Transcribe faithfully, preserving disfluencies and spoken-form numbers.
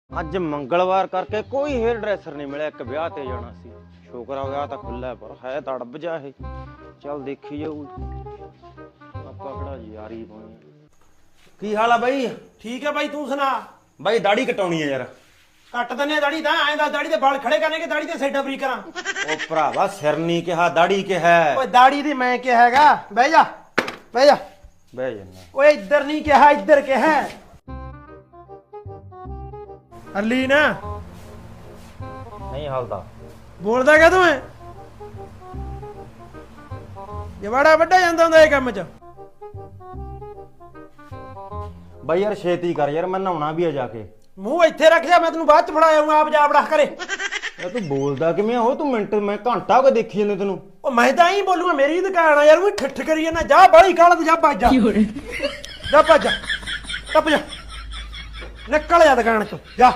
ਅੱਜ ਮੰਗਲਵਾਰ ਕਰਕੇ ਕੋਈ ਹੇਅਰ ਡਰੈਸਰ ਨਹੀਂ ਮਿਲਿਆ। ਇੱਕ ਵਿਆਹ ਤੇ ਜਾਣਾ ਸੀ, ਸ਼ੁਕਰ ਆ ਵਿਆਹ ਤਾਂ ਖੁੱਲਾ ਪਰ ਹੈ ਤਾਂ ਅੜਬ ਜਾ ਇਹ। ਚੱਲ ਦੇਖੀ ਜਾਊ, ਆਪਾਂ ਕਿਹੜਾ ਯਾਰੀ ਪਾਉਣੀ। ਕੀ ਹਾਲ ਆ ਬਾਈ? ਠੀਕ ਹੈ ਬਾਈ, ਤੂੰ ਸੁਣਾ। ਬਾਈ ਦਾੜੀ ਕਟਾਉਣੀ ਆ ਯਾਰ। ਕੱਟ ਦਨੇ ਦਾੜੀ ਤਾਂ ਐਂ ਦਾ ਦਾੜੀ ਦੇ ਵਾਲ ਖੜੇ ਕਰਨੇ ਕਿ ਦਾੜੀ ਤੇ ਸਾਈਡਾਂ ਫਰੀ ਕਰਾਂ। ਉਹ ਭਰਾਵਾ ਸਿਰ ਨਹੀਂ ਕਿਹਾ, ਦਾੜੀ ਕਿਹਾ। ਓਏ ਦਾੜੀ ਦੀ ਮੈਂ ਕਿਹਾ ਹੈਗਾ। ਬਹਿ ਜਾ ਬਹਿ ਜਾ ਬਹਿ ਜੰਨਾ। ਓਏ ਇੱਧਰ ਨਹੀਂ ਕਿਹਾ, ਇੱਧਰ ਕਿਹਾ। ਅਰਲੀ ਨਾ ਨਹੀਂ ਹਲਦਾ। ਬੋਲਦਾ ਕਾ ਤੂੰ ਐ? ਜਵਾੜਾ ਵੱਡਾ ਜਾਂਦਾ ਹੁੰਦਾ ਇਹ ਕੰਮ 'ਚ। ਬਾਈ ਯਾਰ ਛੇਤੀ ਕਰ ਯਾਰ, ਮੈਂ ਨਹਾਉਣਾ ਵੀ ਆ ਜਾ ਕੇ। ਮੂੰਹ ਇੱਥੇ ਰੱਖ ਜਾ, ਮੈਂ ਤੈਨੂੰ ਬਾਅਦ 'ਚ ਫੜਾ ਆਉਂਗਾ। ਆਪ ਜਾ ਵੜਾ ਕਰੇ। ਯਾਰ ਤੂੰ ਬੋਲਦਾ ਕਿਵੇਂ ਹੋ? ਤੂੰ ਮਿੰਟ ਮੈਂ ਘੰਟਾ ਹੋ ਕੇ ਦੇਖੀ ਜਾਂਦੇ ਤੈਨੂੰ। ਉਹ ਮੈਂ ਤਾਂ ਹੀ ਬੋਲੂਗਾ, ਮੇਰੀ ਦੁਕਾਨ ਆ ਯਾਰ। ਉਹ ਠੱਠ ਕਰੀ ਜਾਂਦਾ। ਜਾ ਬਾਲੀ ਕਾਲ ਤੇ ਜਾ ਭੱਜ ਜਾ। ਜਾ ਭੱਜ ਜਾ, ਟੱਪ ਜਾ, ਨਿਕਲ ਜਾ ਦੁਕਾਨ 'ਚੋਂ ਜਾ।